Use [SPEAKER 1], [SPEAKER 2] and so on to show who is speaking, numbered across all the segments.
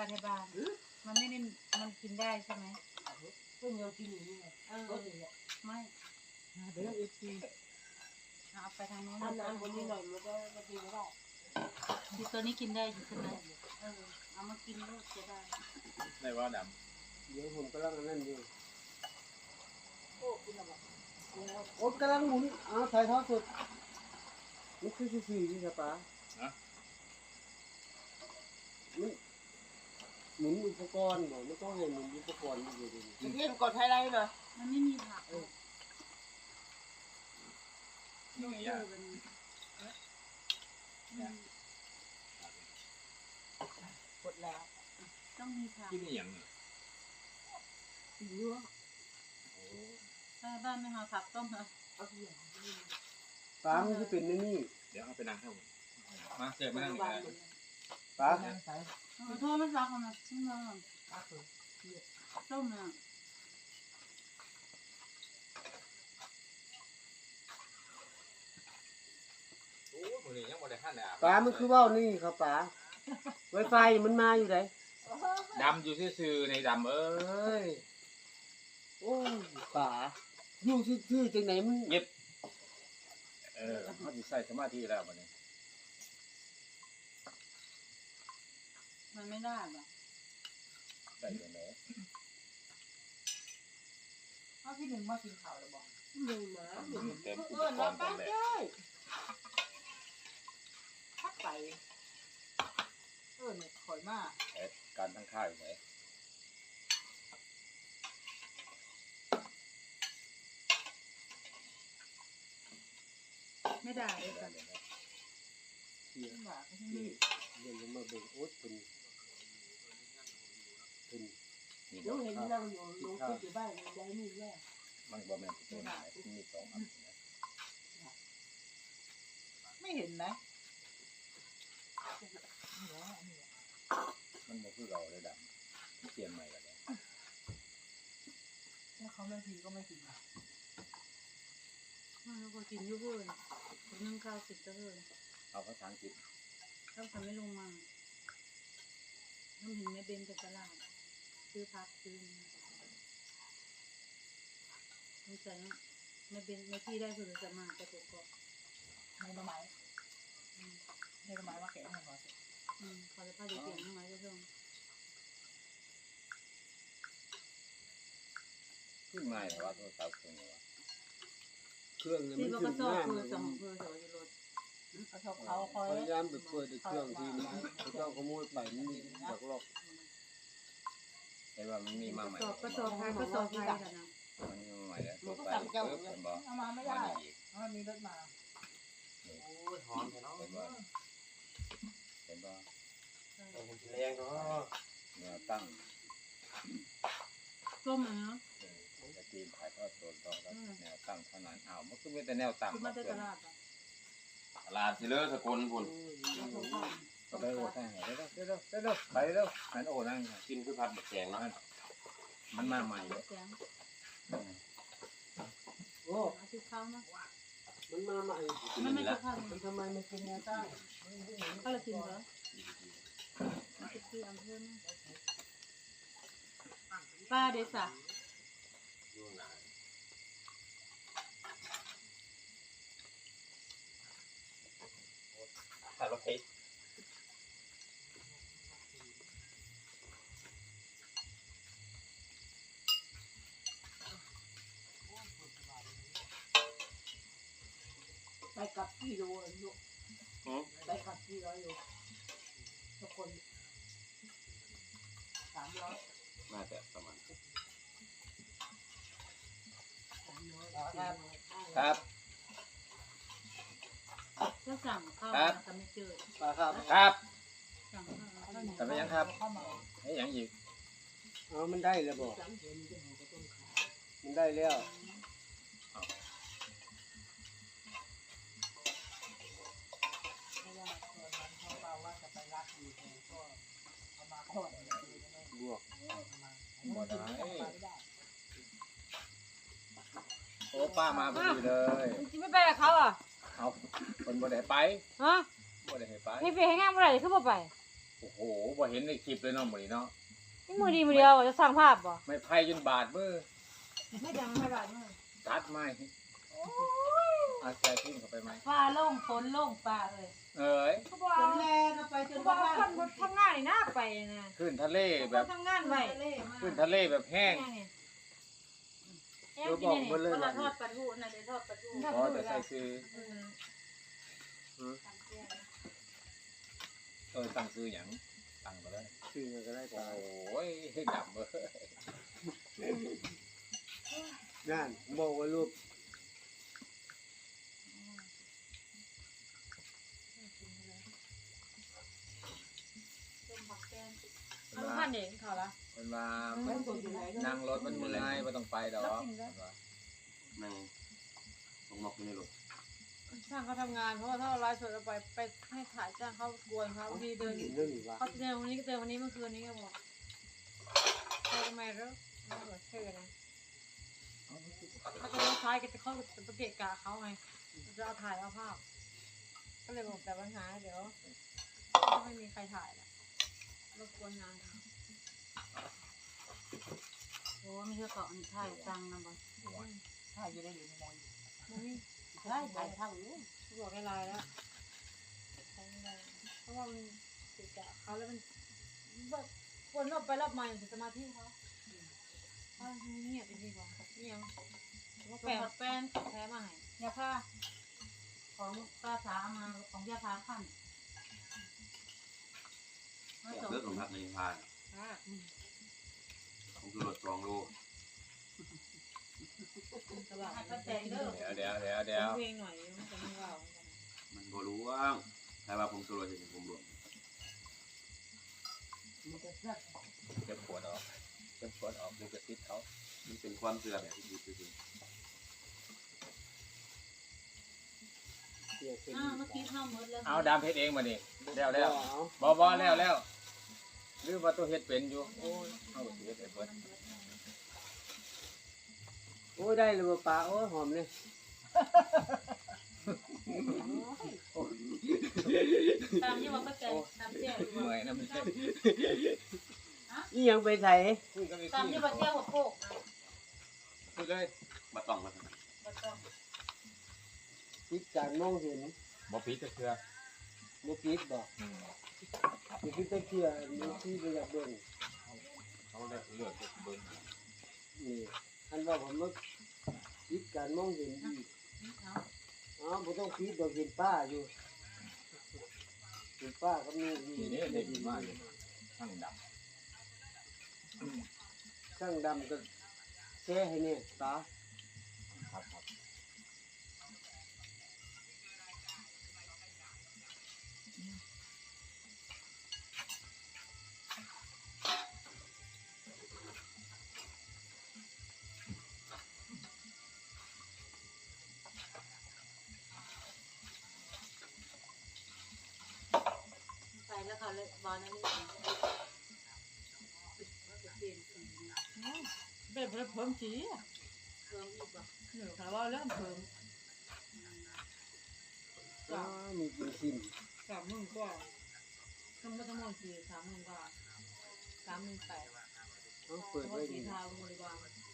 [SPEAKER 1] ในบ้านมันไม่ได้มันกินได้ใช่ไหม
[SPEAKER 2] เพิ่งเรากินอย่างนี้ไงก็ถึงเนี่ย
[SPEAKER 1] ไม่
[SPEAKER 2] เดี๋ยวเอฟซี
[SPEAKER 1] เอาไปทางโน้น
[SPEAKER 2] ทำน้ำคนนี้หน่อยมันก็กินไม่ได้
[SPEAKER 1] ที่ตัวนี้กินได้อยู่ใช่ไหมเอามากินลูกจะได้
[SPEAKER 3] ในว่าด
[SPEAKER 4] เดี๋ยวผมกำลังนั่นอยู่
[SPEAKER 2] โอ้กินอะไร
[SPEAKER 4] โอ๊ตกำลังหมุนถ่ายทอดสดมันคือซื่อๆนี่ครับป้ามันหมุนอุปกรณ์บอกไม่ต้องให้หมุนอุปกรณ์อยู่ดี
[SPEAKER 2] จะเล่นกดไฮไลท์หน่อย
[SPEAKER 1] มันไม่มีผัก
[SPEAKER 3] ำนี่ไงย่า
[SPEAKER 2] กดแล้ว
[SPEAKER 1] ต้องมีผัก
[SPEAKER 3] กินอย่าง
[SPEAKER 2] เยอะ
[SPEAKER 1] ถ้าบ้านไม่หาผักต้มเหรอ
[SPEAKER 2] เอาเหี้ย
[SPEAKER 4] ป้ามันคือเป็นในนี่
[SPEAKER 3] เดี๋ยวเอาไปนั่งให้ผมมาเจอมานั่งอีกแล้ว
[SPEAKER 4] ป้า
[SPEAKER 2] นั่งใส่
[SPEAKER 1] โทษไม่ซักนะไม่มา
[SPEAKER 2] ปักเลย
[SPEAKER 1] ต้มน่ะ
[SPEAKER 3] โอ้ยมือนี้ยังบ่ได้ขั้นเลย
[SPEAKER 4] ป้ามันคือว่าวนี่ครับป้าไวไฟมันมาอยู่ไหน
[SPEAKER 3] ดำอยู่ซื่อๆในดำเอ้ย
[SPEAKER 4] โอ้ยป้าอยู่ซื่อๆจังไหนมัน
[SPEAKER 3] เย็บเขาจะใส่สมาธิแล้ววันนี้
[SPEAKER 1] มันไม่ได้หรอ
[SPEAKER 3] ใส่ยังไง
[SPEAKER 2] เอาพี่หนึ่งมากินข้าวแล้วบอก
[SPEAKER 4] หนึ่งมา
[SPEAKER 3] เต็มอุป
[SPEAKER 2] เออก
[SPEAKER 3] รณ์ตอนแรก
[SPEAKER 2] ได้พักไปเนี่ยข่อยมาก
[SPEAKER 3] การทั้งค่ายไหน
[SPEAKER 1] ไม่ได้เลยค่ะ
[SPEAKER 4] เสีย
[SPEAKER 2] ขึ้นมาก็
[SPEAKER 4] เดี๋ยวมาเบิ่งโอ๊ตเป็น
[SPEAKER 3] นี่
[SPEAKER 2] เดี๋ยวเห็นนั่งอยู่ลงขึ้นอยู่บ้านยายนี่แย่
[SPEAKER 3] มันบ่แม่นตัวไหนมีสองอัน
[SPEAKER 2] ไม่เห็นไหม
[SPEAKER 3] มันบ่คือเราเลยดำเปลี่ยนใหม่แล้ว
[SPEAKER 2] ถ้าเขาไม่กินก็ไม่กิน
[SPEAKER 1] มันก็กินยุ่งเลยคนนึ่งข้าวสิบก็เลย
[SPEAKER 3] เอาภาษาอังกฤษ
[SPEAKER 1] ต้องทำไม่ลงมาต้องเห็นแม่เบนไปตลาดซื้อผักซื้อสงสัยแม่เบนแม่พี่ได้คือจะมาไปตัวก่อน
[SPEAKER 2] ไม่ละไม้ไม่ละไม้ว่าแกะให้ก่อน
[SPEAKER 1] ขอจะพาเด็กๆน้องไม้ก็ต้อง
[SPEAKER 3] ขึ้นง่ายแต่ว่าโทรศัพท์เครื่องนี้ว่า
[SPEAKER 4] เครื่องเนี่ย
[SPEAKER 1] ที่
[SPEAKER 4] มัน
[SPEAKER 1] เรา
[SPEAKER 4] ถึ
[SPEAKER 1] ก็
[SPEAKER 4] ง
[SPEAKER 1] ชอบ
[SPEAKER 4] หน้า
[SPEAKER 1] คือ
[SPEAKER 4] มัน
[SPEAKER 1] สองคือสองจะรถ
[SPEAKER 2] เขาคอย
[SPEAKER 4] พยายามไปเปิดเครื่องที่มันเขาเจ้าขโมยไปมันมีหลอก
[SPEAKER 3] เห็นว่ามันมีมาใหม่
[SPEAKER 1] ก็สอบใครก็สอบใครกันนะ
[SPEAKER 3] มันมีมาใหม่แล้ว
[SPEAKER 2] หนู
[SPEAKER 3] ตัว
[SPEAKER 2] ก็
[SPEAKER 3] ไป
[SPEAKER 2] สั่งเจ้า
[SPEAKER 3] เพิ่มเป็นบ่
[SPEAKER 2] เอามาไม่
[SPEAKER 3] มา
[SPEAKER 2] ได้
[SPEAKER 3] อีก
[SPEAKER 2] มันมีรถมา
[SPEAKER 5] โอ้ยหอมแท้เนาะ
[SPEAKER 3] เห็นบ่เห็นบ่
[SPEAKER 5] แรงเนาะ
[SPEAKER 3] แนวตั้ง
[SPEAKER 1] ร่มเนาะ
[SPEAKER 3] จะจีนถ่ายทอดสดต่อแล้วแนวตั้งเท่านั้นอ้าวมันก็มีแต่แนวตั้ง
[SPEAKER 1] คือมาจากตลาดอ่ะ
[SPEAKER 5] ตลาดสิเลอสกุลพุ่น
[SPEAKER 3] ก็ไปโอ้ได้ให้เร็วไปเร็วหันโอ้นั่ง
[SPEAKER 5] กินคือผัดบักแกงเนาะ
[SPEAKER 3] มันมาใหม่เลย
[SPEAKER 1] แสง
[SPEAKER 4] ๆโอ้
[SPEAKER 1] อาทิตย์เข้านะ
[SPEAKER 4] มันมาใหม่
[SPEAKER 1] มันไม่ใช่ข้าว
[SPEAKER 4] มันทำไมไม่เป็นแนวตั้ง
[SPEAKER 1] ข้าวละกินเหรออาทิตย์ที่อำเภอนะป้าเดซ่า
[SPEAKER 5] อยู่ไหนถ่ายรถเพชร
[SPEAKER 2] ไปกับกี่โลลูกไปกับกี่ร้อยโลทุกคน300
[SPEAKER 5] น่าจะประมาณ
[SPEAKER 3] ครับ
[SPEAKER 1] ก็สั่งข้าวแต่ไม่เจอ
[SPEAKER 4] ป้าครับ
[SPEAKER 3] ครับ
[SPEAKER 1] สั่งข้าวเหนียว
[SPEAKER 3] แต่ไม่ยังครับ
[SPEAKER 2] เข้ามา
[SPEAKER 3] ไอ้ยังอีก
[SPEAKER 4] มันได้แล้วบอกมันได้แล้ว
[SPEAKER 2] เพราะว่าตอนนั้นเขาเล่าว่าจะไปรักอยู่แต่ก็เอามาทอด
[SPEAKER 4] บวก
[SPEAKER 3] บ่ได้
[SPEAKER 2] ไม่ได้
[SPEAKER 3] โอ้ป้ามาพอดีเลย
[SPEAKER 6] จะไม่ไปกับเขาอ่ะ
[SPEAKER 3] เอาคนบ่ได้ไป
[SPEAKER 6] ฮะ
[SPEAKER 3] บ่ได้ให้ไป
[SPEAKER 6] พี่ไปให้งานเมื่อไหร่ขึ้นมาไป
[SPEAKER 3] โอ้โหบ่เห็นในคลิปเลยเนาะมื้อนี้เนาะ
[SPEAKER 6] นี่มือดีมือเดียวจะสร้างภาพบ่
[SPEAKER 3] ไม่ไผจนบาดมือ
[SPEAKER 1] ไม่ดังไม่บาดมือ
[SPEAKER 3] ตัดไม้เอาใส่ทิ้งเข้าไปไหม
[SPEAKER 1] ฟ้าโล่งฝนโล่งฟ้าเลย
[SPEAKER 3] เอ้ย
[SPEAKER 6] เขาบอก
[SPEAKER 1] ฝนแลนเอาไปจน
[SPEAKER 6] บอก
[SPEAKER 1] บ้า
[SPEAKER 6] คนบนทำงานนี่น่าไปนะ
[SPEAKER 3] ขึ้นทะเลแบบ
[SPEAKER 6] ทำงานไว้
[SPEAKER 1] เล่มาก
[SPEAKER 3] ขึ้นทะเลแบบแห้ง
[SPEAKER 6] แห้งกินนี่
[SPEAKER 1] คนละทอดปลาทูน่ะได้ทอดปลาทู
[SPEAKER 3] พอจะใส่ซื้อตั้งซื้อหยังตั้งไปเลย
[SPEAKER 4] ซื้อมาก็ได้
[SPEAKER 3] โอ
[SPEAKER 4] ตาย้
[SPEAKER 3] ยดำเบ้อ
[SPEAKER 4] นั่นบอกว่าลูก
[SPEAKER 6] เอาท่านเองเขาละ
[SPEAKER 3] มันมา
[SPEAKER 1] ไม่สดอยู่ไหน
[SPEAKER 3] นั่งรถมันเมื่อยไม่ต้องไปดอก
[SPEAKER 5] นั่งลงนกอยู่ในรถ
[SPEAKER 6] ช่างเขาทำงานเพราะว่าถ้าเราไลฟ์สดเราไปให้ถ่ายจ้างเขากวนเขาบางทีเดิน
[SPEAKER 4] เรื่องนี้ว่า
[SPEAKER 6] เขาเจอวันนี้ก็เจอวันนี้เมื่อคืนนี้ก็บอกเจอทำไมแล้วไม่บอกเชื่อนะเขาจะเลี้ยวซ้ายก็จะเข้าไปเกะกะเขาไงจะเอาถ่ายเอาภาพก็เลยบอกแต่ปัญหาเดี๋ยวไม่มีใครถ่ายละรบกวนงานเขา
[SPEAKER 1] โอ้มีเจ้าเกาะถ่ายตังนะบ่
[SPEAKER 2] ถ้าอยู่ได้หรือไม่มอย
[SPEAKER 6] มันไม่
[SPEAKER 1] ได้ถ่ายทั้งนี้
[SPEAKER 6] บอกให้ไลน์แล้วใช้ไม่ได้เพราะว่ามันเกะกะเขาแล้วมันแบบวนรอบไปรอบมาอย่างสมาธิเขาเงียบไปดีกว่าเงียบว่า
[SPEAKER 1] แป
[SPEAKER 6] แปล
[SPEAKER 1] ลน
[SPEAKER 6] แพ้มาให้
[SPEAKER 1] ยาผ้าของป้าสามาของยาผ้าขั้น
[SPEAKER 5] อยากเลิกลงพักในพานผมคือรถ2 โล
[SPEAKER 6] ตลาด
[SPEAKER 1] ให้ป้าแตงเด้อ
[SPEAKER 3] เดี๋ยว
[SPEAKER 6] เพลงหน่อยมันจะไม่ว่า
[SPEAKER 5] มันบ่รู้ว่างใครว่าผมคือรถจะผมรวม
[SPEAKER 1] มันจะเสื้อ
[SPEAKER 3] จะปวดออกดูกระติดเขา
[SPEAKER 5] มันเป็นความเชื่อแบบที่ดีที่สุด
[SPEAKER 4] เสียเป็น
[SPEAKER 1] เมื่อกี้เข้าหมดแล้ว
[SPEAKER 3] เอาดามเพชรเองมาดิแล้ว
[SPEAKER 4] เอา
[SPEAKER 3] บ่แล้วหรือว่าตัวเฮ็ดเป็นอยู่โอ้ยเอาสิเฮ็ดให้เพิ่น
[SPEAKER 4] โอ้ยได้เลยบ่ปลาโอ้ยหอมเลย
[SPEAKER 1] ตามที่ว่าป้าแตงตามเจ้า
[SPEAKER 3] เมื่อยนะมันเจ็บ
[SPEAKER 4] นี่ยังไปใส่
[SPEAKER 3] คุยกันอีก
[SPEAKER 1] ตามที่ว่าเจ้าหัวโปก
[SPEAKER 3] คุยเลย
[SPEAKER 5] บ่ต้องมา
[SPEAKER 1] ก็ต้อง
[SPEAKER 4] ปิดการมองเห็น
[SPEAKER 3] บ่ปิดจะเชื่อ
[SPEAKER 4] บ่ปิดบ่สิปิดตะเกียบมีที่ไปอยากเบิ่ง
[SPEAKER 3] เขาเลือกเบิ่ง
[SPEAKER 4] นี่อันว่าผมว่าปิดการมองเห็นอีก
[SPEAKER 1] เอา
[SPEAKER 4] อ๋อบ่ต้องปิดดอกเห็นป้าอยู่เห็นป้ากับนี่
[SPEAKER 3] ทีนี้เด็กมากเลยทั้งด
[SPEAKER 4] ช่างดำก็แช่ให้เนี่ยตา
[SPEAKER 3] ำครับ
[SPEAKER 1] ไปแล้วเขาเลยบอลนั่นนี่เปลี่ยนสี
[SPEAKER 6] เป็นเพิ่มสี
[SPEAKER 1] เพิ่มอีกบ่
[SPEAKER 6] หนูค่ะว่าเริ่มเพิ่ม
[SPEAKER 4] อ๋อมีกินชิม
[SPEAKER 6] 30,000 กว่าทั้งหมดคือ30,000 กว่า38,000
[SPEAKER 4] เอา
[SPEAKER 6] เพ
[SPEAKER 4] เปิด
[SPEAKER 6] ราะ
[SPEAKER 4] ไว้
[SPEAKER 6] ว่าสี
[SPEAKER 4] ดี
[SPEAKER 6] ทาบริวาร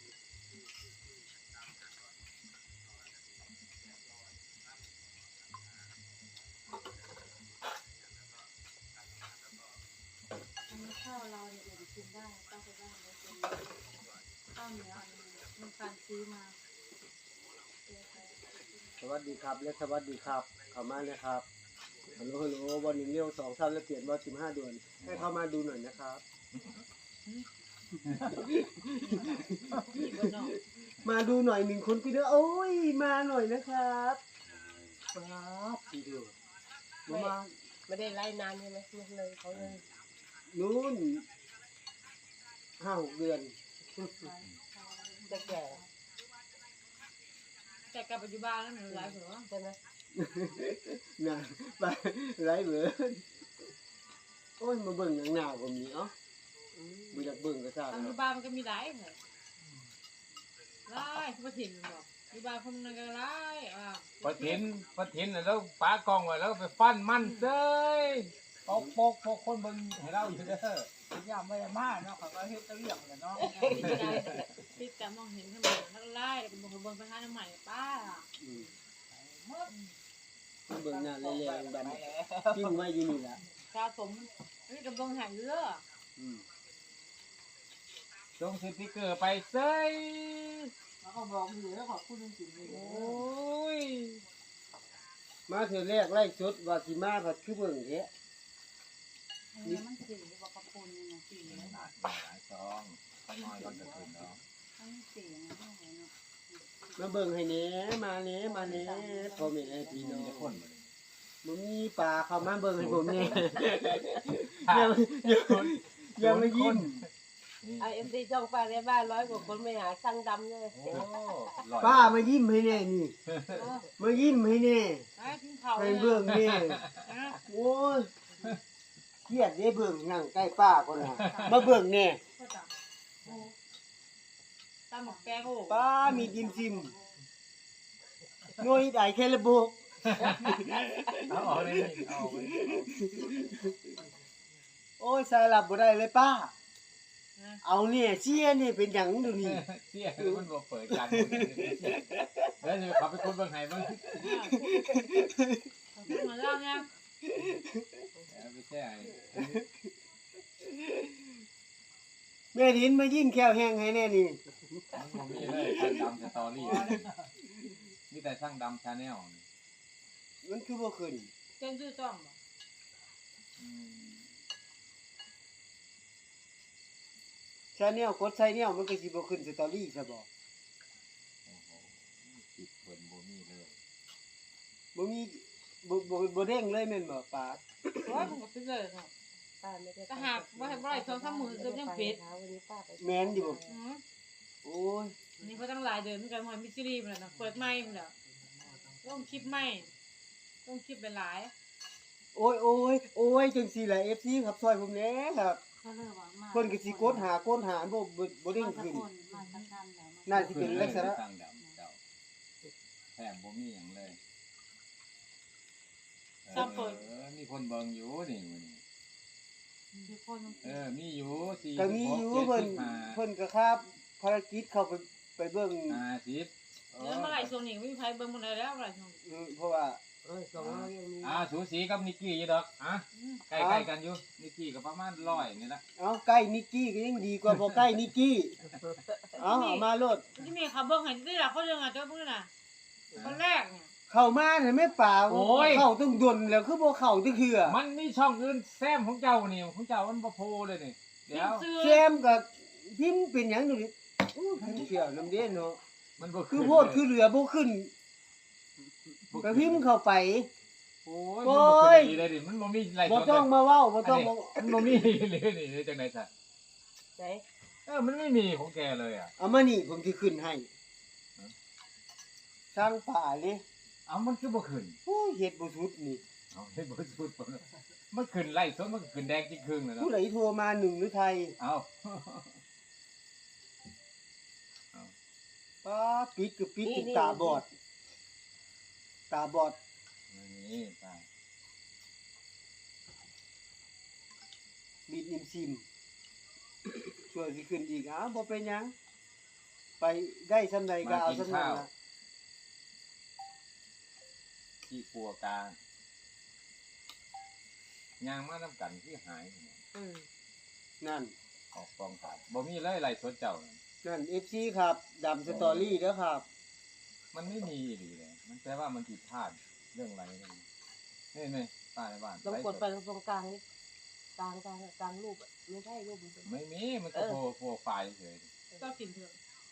[SPEAKER 1] อันนี้ข้าวเราเนี่ยเดี๋ยวกินได้ต้องไปบ้านเลยเป็นข้าวเหนียวอันนี้มันการซื้อมา
[SPEAKER 4] สวัสดีครับและสวัสดีครับเข้ามาเลยครับฮัลโหลวันหนึ่งเลี้ยว2 3แล้วเปลี่ยนว่า15 เดือนให้เข้ามาดูหน่อยนะครับ มาดูหน่อย1 คนพี่เด้อโอ้ยมาหน่อยนะครับครับพี่เด้อมา
[SPEAKER 2] ไม่ได้ไล่นานใช่ไหมไม่เลยเขาเลย
[SPEAKER 4] นู้น5-6 เดือน
[SPEAKER 2] จะแก่
[SPEAKER 6] แต่กลับปัจจุบันแล้วหนูไลฟ์เหรอ
[SPEAKER 2] ใช่ไหม
[SPEAKER 4] น่ะไปไรเบิดโอ้ยมาเบิ่งหนังหนาวก็มีเอ้าบ่อยากเบิ่งก็ทราบ
[SPEAKER 6] ปัจ
[SPEAKER 4] เนาะ
[SPEAKER 6] จุบันมันก็มีหลายเลยไล่ผู้ถิ่นมันบอกปัจจุบันคนนึงก็ไล่
[SPEAKER 3] ปะทินแล้วปากองไว้แล้วไปฟันมันเซ้ยโป๊กโป๊กโป๊กคนเบิ่งให้เราอยู่เด้อ
[SPEAKER 2] ย่าไม่ได้มาเนาะเขาก็เฮ็ดตะเลียงเลยเนาะ
[SPEAKER 6] พี่จะมองเห็นขึ้นมาแล้วไล่แล้วก็บอกเบิ่งไปหาน้ำใหม่ป้า
[SPEAKER 4] เบิ่งหน้าแลๆบัดนี้ปิ้งไว้อยู่นี่ล่ะ
[SPEAKER 6] สะสมนี่ก็เบิ่งหายเยอะ
[SPEAKER 3] จงสติ๊กเกอร์ไปเซ้ย
[SPEAKER 2] แล้วก็บอกอยู่แล้วขอบคุณจริงๆเลย
[SPEAKER 3] โอ้ย
[SPEAKER 4] มาเทื่อแรกไล่สดว่าสิมาผัดคือเบิ่งแท้
[SPEAKER 1] นี่มันสีบอกกระปุนนี่นะสีแล้ว
[SPEAKER 3] หลายซองข้าวน้อยก็จะถึงแล้ว
[SPEAKER 1] ทั้งสีนะทั้งหัวเนาะ
[SPEAKER 4] มาเบิ่งให้แหน่มาแหน่มาแหน่พ่อแม่พี่น้อง
[SPEAKER 3] มีคนบ่
[SPEAKER 4] บ่มีปลาเข้ามาเบิ่งให้ผมแหน่อย่ามายิ้ม
[SPEAKER 7] ไอเอ็มซีช่องป้าในบ้าน100 กว่าคนไม่หาช่างดำเลย
[SPEAKER 3] โอ้
[SPEAKER 4] ป้ามายิ้มให้แหน่นี่มายิ้มให้แหน่
[SPEAKER 6] ไอ้ทิ้งเขา
[SPEAKER 4] ให้เบิ่งแหน่โอ้ยเครียดเด้เบิ่งนั่งใกล้ป้าคนน่ะมาเบิ่งแหน่
[SPEAKER 6] ตามหมกแกงโอ้
[SPEAKER 4] ป้ามีดิมซิมโง่ได้แค่ระบบ
[SPEAKER 3] เอาออกเลยเอาไป
[SPEAKER 4] โอ้ยสายหลับบ่ได้เลยป้า เอาเนี่ยเชี่ยนี่เป็นหยังดูนี่
[SPEAKER 3] เสียมันบ่เปิดกันแล้วจะขับไปคนเบิ่งให้เบิ่ง
[SPEAKER 6] ขึ้นมาแล้วเนี่ย
[SPEAKER 3] ไม่ใช่
[SPEAKER 4] แม่ดินมายิ้มแก้วแห้งให้แน่นี่
[SPEAKER 3] มันมีเลยช่างดำสตอรี่มีแต่ช่างดำชาแนล
[SPEAKER 4] มันคือบ่ขึ้น
[SPEAKER 6] เจ้าชื่อจ้อง
[SPEAKER 4] ชาแนลกดชาแนลมันก็สิบ่ขึ้นสตอรี่ซะบ่
[SPEAKER 3] โอ้โหติดเพิ่นบ่มีเลย
[SPEAKER 4] บ่มีบ่เด้งเลยแม่นบ่ป้า
[SPEAKER 6] โอ้ยผมก็เป็นเลยเนาะ
[SPEAKER 7] ป้าไม่ได้
[SPEAKER 6] ก็หากว่าให้บ่ได้2-3มื้อก็ยังเป็ด
[SPEAKER 7] วันนี้ป้าไป
[SPEAKER 4] แม่นอยู่บ่
[SPEAKER 6] อือ
[SPEAKER 4] โอ้ย
[SPEAKER 6] นี่เขาตั้งหลายเดือนเหมือนกันหอยมิสซิลีมันน่ะเปิดใหม่มันแล้วต้องคลิปใหม่ต้องคลิปหลาย
[SPEAKER 4] โอ้ยโอ้ยโอ้ยจังซี่ล่ะ FC ครับช่วยผมแหน่ครับ
[SPEAKER 1] ก็เลยว่ามา
[SPEAKER 4] เพิ่นก็สิกดหบ่เด้งขึ้น
[SPEAKER 1] มาสักกันแล้ว
[SPEAKER 4] น่าสิเป็นลักษณะ
[SPEAKER 3] ช่างดำเจ้าแถมบ่มีหยังเลยมีคนเบิ่งอยู่นี่มื้อนี้
[SPEAKER 1] มีคน
[SPEAKER 3] มีอยู่4
[SPEAKER 4] ก็มีอยู่เพิ่นก็ครับภารกิจเข้าไปเบิ่ง
[SPEAKER 3] 50
[SPEAKER 6] แล้วเมื่อไหร่ช่วงนี้ไม่มีใครเบิ่งมันเลยแล้วเมื่อไหร่ช่วงนี้
[SPEAKER 4] เพราะว่า
[SPEAKER 7] 200ยังมี
[SPEAKER 3] สูสีกับนิกกี้อยู่ดอกใกล้ๆกันอยู่นิกกี้ก็ประมาณ100นี่ละ
[SPEAKER 4] เอาใกล้นิกกี้ก็ยังดีกว่าบ่ใกล้นิกกี้เอามาโลด
[SPEAKER 6] ที่มีเขาเบิ่งให้ได้ล่ะเขาเรื่องอ่ะเจ้าเพิ่นน่ะคนแรกเนี่ย
[SPEAKER 4] เข้ามาเห็นไหมป่าเข้าต้องดนแล้วคือบ่เข้าจังคือ
[SPEAKER 3] มันมีช่องอื่นแซมของเจ้านี่ของเจ้ามันบ่โพเลยนี่เดี๋ยว
[SPEAKER 4] แซมกับพิมพ์เป็นหยังดูดิอู้พิมพ์เขียวน้ำเด่นเนาะ
[SPEAKER 3] มันบ่
[SPEAKER 4] คือโพดคือเหลือบ่ขึ้นก็พิมพ์เข้าไป
[SPEAKER 3] โอ้ยมันบ่ขึ้นดีเลยดิมันบ่มีไร
[SPEAKER 4] บ่ต้องมาเว้าบ่ต้อง
[SPEAKER 3] มันบ่มีเลยนี่จังได๋ซะ
[SPEAKER 7] ไหน
[SPEAKER 3] มันไม่มีของแกเลยอ่ะ
[SPEAKER 4] เอามานี่ผมสิขึ้นให้สร้างป่าเลย
[SPEAKER 3] มันคือบ่ขึ้น
[SPEAKER 4] โอ้ยเฮ็ดบ่สุดนี่
[SPEAKER 3] เอาให้บ่สุดมันขึ้นไล่สดมันก็ขึ้นแดงจริงครึ่งแล้วเนาะ
[SPEAKER 4] ผู้ใดโทรมาหนึ่งหรือไทย
[SPEAKER 3] เอา
[SPEAKER 4] ป้าปิดก็ปิดจนตาบอด ตาบอด
[SPEAKER 3] นี่ตา
[SPEAKER 4] บิดนิมซิมช่วยสิขึ้นอีกบ่เป็นหยัง ไปได้ซำใดก็เอาซำนั้นล่ะ
[SPEAKER 3] ที่ปัวกลางยางมานํกันที่หาย
[SPEAKER 4] นั่น
[SPEAKER 3] ออกกองถ่ายบ่มีเลยไล่สดเจ้า
[SPEAKER 4] นั่น FC ครับดำสตอรี่เด้อครับ
[SPEAKER 3] มันไม่มีดีเลยมันแปลว่ามันผิดพลาดเรื่องอะไรนี่นี่ป้าในบ้าน
[SPEAKER 7] ต้องกดไปตรงกลางนี่กลางรูปไม่ใช่รูปมัน
[SPEAKER 3] ไม่มีมันก็โปรไฟล์เฉย
[SPEAKER 6] ก็กินเถอะ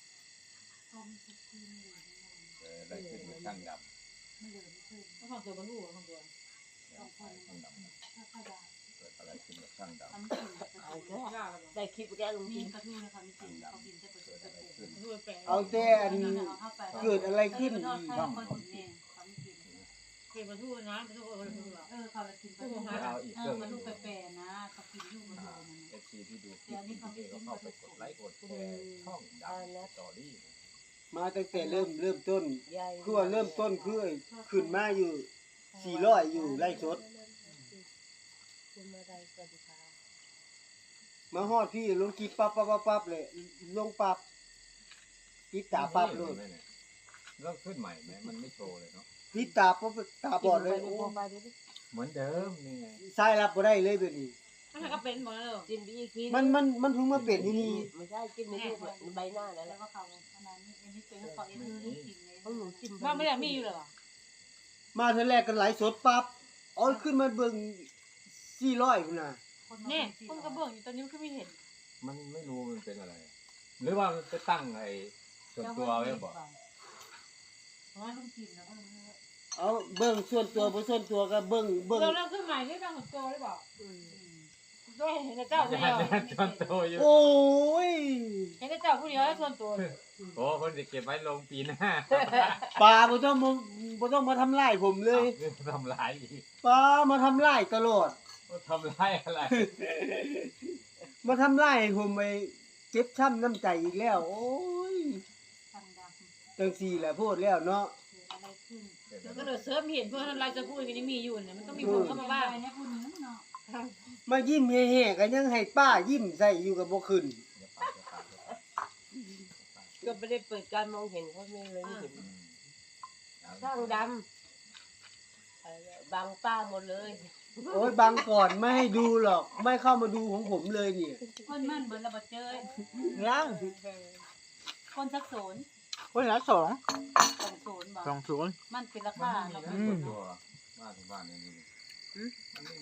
[SPEAKER 3] อะไรขึ้นอยู่ช่างด
[SPEAKER 1] ไม่เหลือไม่ขึ้น
[SPEAKER 6] ต้องฟังตัวบรรลุฟังตัว
[SPEAKER 1] ต้องคน
[SPEAKER 3] ช่างดำ
[SPEAKER 1] ถ้าขยะ
[SPEAKER 3] เกิดอะไรขึ้นกับช่างดำ
[SPEAKER 1] ทำสิ่งกระ
[SPEAKER 7] เอา
[SPEAKER 1] ตุ้น
[SPEAKER 7] แค่
[SPEAKER 6] ยากแล้ว
[SPEAKER 7] ได้คลิปแกลง
[SPEAKER 1] มี
[SPEAKER 7] กิน
[SPEAKER 1] กระตุ้นนะคะมีสิ่งเขากินจะเป็นกระตุ้น
[SPEAKER 3] ขึ้น
[SPEAKER 6] ด้วยแปล
[SPEAKER 4] เอาแต่อันเกิดอะไรขึ้น
[SPEAKER 1] ช่องคนเนี่ยเขาไม่กิน
[SPEAKER 6] เคยบรรลุนะบรรลุบรรลุหรอ
[SPEAKER 1] เขาละกินกระตุ้น
[SPEAKER 3] เอาอีก
[SPEAKER 1] เอ
[SPEAKER 3] เครื่
[SPEAKER 1] อ
[SPEAKER 3] อง
[SPEAKER 1] มาดูแปรๆนะเขากินลูกกระตุ้นมัน
[SPEAKER 3] เอฟซีที่ดูคลิปนี้ก็เข้าไปกดไลค์กดแชร์ช่องดำสตอรี่
[SPEAKER 4] มาตั้งแต่เริ่มต้น
[SPEAKER 7] ใหญ่
[SPEAKER 4] คือว่าเริ่มต้นคือขึ้นมาอยู่400อยู่ไร่สด
[SPEAKER 7] คุณอะไรสวัสดีค่ะ
[SPEAKER 4] มาฮอดพี่ลงกีปั๊บเลยลงปั๊บปิดตาปั๊บเลย
[SPEAKER 3] เริ่มขึ้นใหม่ไหมมันไม่โชว์เลยเนาะ
[SPEAKER 4] ปิดตาปั๊บตาบอดเลย
[SPEAKER 7] กิน
[SPEAKER 4] โอ้
[SPEAKER 7] ไปโปรไฟล์ดูดิ
[SPEAKER 3] เหมือนเดิมนี่ไง
[SPEAKER 4] สายรับบ่ได้เลยเดี๋ยวนี้
[SPEAKER 6] ถ้าก็เป็นหมดแล้ว
[SPEAKER 7] กินบีกิน
[SPEAKER 4] มันเพิ่งมาเป็นที่นี่
[SPEAKER 7] ไม่ใช่กินในรูปอะใบหน้านั่นแห
[SPEAKER 1] แล้ว
[SPEAKER 7] ละ
[SPEAKER 1] ก็เขาอันนั้นอันนี้เป็นเขาเองนี่กินเลย
[SPEAKER 7] ของหนูจิ้ม
[SPEAKER 6] บ้านไม่ได้มีอยู่เลยว่ะ
[SPEAKER 4] มาเทื่อแรกกันไหลฟ์สดปั๊บเอาขึ้นมาเบิ่ง400พุ่นน่ะ
[SPEAKER 6] เนี่ยคนกระเบื้องอยู่ตอนนี้มันก็ไม่เห็น
[SPEAKER 3] มันไม่รู้มันเป็นอะไร หรือว่ามันไปตั้งไอ้ส่วนตัวไว้บอก
[SPEAKER 1] เพราะว่าต้องกินแล้วก็
[SPEAKER 4] เอาเบิ่งส่วนตัวบ่ส่วนตัวก็เบิ่ง
[SPEAKER 6] เราเริ่มขึ้นใหม่ที่บางของโจได้บอกด้วยเห็นแต่เจ้าผู้
[SPEAKER 3] ญา
[SPEAKER 6] เดียว
[SPEAKER 3] ติส่วนตัวอยู่
[SPEAKER 4] โอ้ย
[SPEAKER 6] เห็นแต่เจ้าผู้เดียวแล้วส่วนตัว
[SPEAKER 3] โอ้คนจะเก็บไว้ลงปีหน้า
[SPEAKER 4] ปลาบ่ต้องมาทำลายผมเลย
[SPEAKER 3] ทำร้ายอีก
[SPEAKER 4] ปลามาทำลายตลอด
[SPEAKER 3] ทำร้ายอะไร
[SPEAKER 4] มาทำลายให้ผมไปเจ็บช้ำน้ำใจอีกแล้ว โอ้ย
[SPEAKER 1] ทำดำ
[SPEAKER 4] จังซี่แหละพูดแล้วเนาะ
[SPEAKER 1] เกิดอะไรขึ้น
[SPEAKER 6] แล้วก็เดือดเสิร์ฟเห็นเพื่อนอะไรจะพูดกันยังมีอยู่เนี่ยมันต้องมีคนเข้ามาบ้าง
[SPEAKER 1] อะไรเนี่ยคุณนึงเนาะ
[SPEAKER 4] มายิ้มแห่ๆก็ยังให้ป้ายิ้มใส่อยู่กับบ่ขึ้น
[SPEAKER 7] ก็ไม่ได้เปิดการมองเห็นเขาไม่เลยไม่เห็นช่างดำอะไรนะบังป้าหมดเลย
[SPEAKER 4] โอ้ยบังก่อนไม่ให้ดูหรอก ไม่เข้ามาดูของผมเลยเนี่ย
[SPEAKER 1] คนมั่นเบิร์นระเบิดเจย
[SPEAKER 2] ยัง
[SPEAKER 1] คนสักโซน
[SPEAKER 2] คนละ2
[SPEAKER 1] สองโซนบอก
[SPEAKER 2] 2 0
[SPEAKER 1] มันเป็นรา
[SPEAKER 3] มัน
[SPEAKER 1] คา
[SPEAKER 3] ไม่มี
[SPEAKER 1] เรา
[SPEAKER 3] นะส่วนตัวบ้านทุกบ้านเนี่ยนี่มันไม่